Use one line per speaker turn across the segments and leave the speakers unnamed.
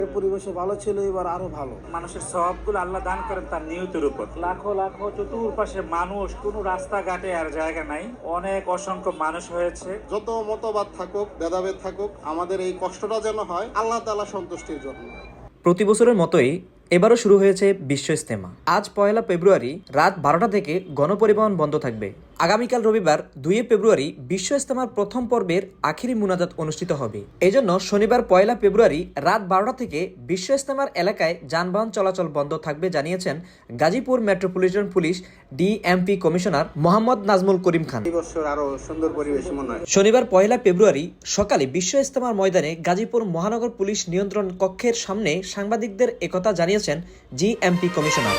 পরিবেশে ভালো ছিল, এবার আরো ভালো।
মানুষের সওয়াবগুলো আল্লাহ দান করেন তার নিয়তের উপর। লাখো লাখো চতুর্পাশে মানুষ, কোনো রাস্তাঘাটে আর জায়গা নাই, অনেক অসংখ্য মানুষ হয়েছে।
যত মতবাদ থাকুক, ভেদাভেদ থাকুক, আমাদের এই কষ্টটা যেন হয় আল্লাহ তাআলা সন্তুষ্টির জন্য।
প্রতি বছরের মতোই এবারও শুরু হয়েছে বিশ্ব ইজতেমা। আজ 1 ফেব্রুয়ারি রাত 12টা থেকে গণপরিবহন বন্ধ থাকবে। আগামীকাল রবিবার 2 ফেব্রুয়ারি বিশ্ব ইজতেমার প্রথম পর্বের আখিরি মুনাজাত অনুষ্ঠিত হবে। এজন্য শনিবার 1 ফেব্রুয়ারি রাত 12টা থেকে বিশ্ব ইজতেমার এলাকায় যানবাহন চলাচল বন্ধ থাকবে জানিয়েছেন Gazipur metropolitan police DMP commissioner Mohammad Nazmul Karim Khan.
এই বছর আরো সুন্দর পরিবেশ মনে হয়।
শনিবার 1 ফেব্রুয়ারি সকালে বিশ্ব ইজতেমার ময়দানে গাজীপুর মহানগর পুলিশ নিয়ন্ত্রণ কক্ষের সামনে সাংবাদিকদের একথা জানিয়েছেন জিএমপি কমিশনার।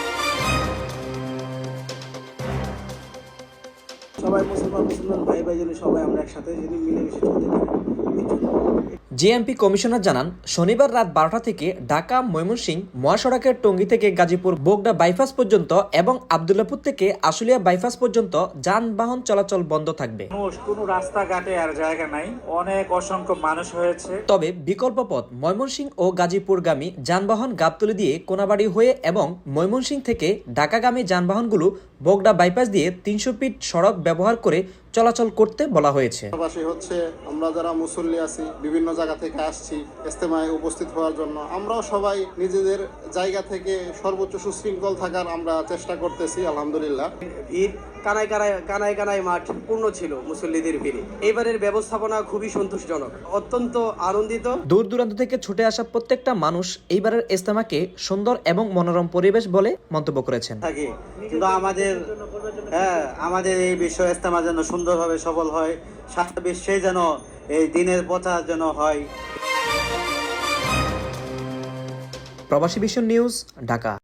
সবাই মুসলমান ভাই ভাই যেন সবাই আমরা একসাথে যদি মিলেমিশে চলতে পারি।
জিএমপি কমিশনার জানান, শনিবার রাত 12টা থেকে ঢাকা ময়মনসিংহ মহাসড়কের টঙ্গী থেকে গাজীপুর বোগদা বাইপাস পর্যন্ত এবং আব্দুল্লাহপুর থেকে আশুলিয়া বাইপাস পর্যন্ত যানবাহন চলাচল বন্ধ থাকবে।
মানুষ, কোনো রাস্তাঘাটে আর জায়গা নাই, অনেক অসংখ্য মানুষ হয়েছে।
তবে বিকল্প পথ ময়মনসিংহ ও গাজীপুরগামী যানবাহন গাবতলী দিয়ে কোনাবাড়ি হয়ে এবং ময়মনসিংহ থেকে ঢাকাগামী যানবাহনগুলো বোগদা বাইপাস দিয়ে 300 ফিট সড়ক ব্যবহার করে চলাচল করতে বলা হয়েছে।
পাশাপাশি হচ্ছে আমরা যারা মুসল্লি আছি, বিভিন্ন জায়গা থেকে আসছি ইজতেমায় উপস্থিত হওয়ার জন্য, আমরাও সবাই নিজেদের জায়গা থেকে সর্বোচ্চ সুশৃঙ্খল থাকার আমরা চেষ্টা করতেছি আলহামদুলিল্লাহ।
ভিড় কানায় কানায় মাঠ পূর্ণ ছিল মুসল্লিদের ভিড়ে। এবারের ব্যবস্থাপনা খুবই সন্তোষজনক, অত্যন্ত আনন্দিত।
দূর দূরান্ত থেকে ছুটে আসা প্রত্যেকটা মানুষ এইবারের ইজতেমাকে সুন্দর এবং মনোরম পরিবেশ বলে মন্তব্য করেছেন।
কিন্তু আমাদের এই বিশ্ব ইজতেমা যেন সুন্দরভাবে সফল হয়, সারা বিশ্বে যেন এই দিনের প্রচার যেন হয়।
প্রবাসী ভিশন নিউজ, ঢাকা।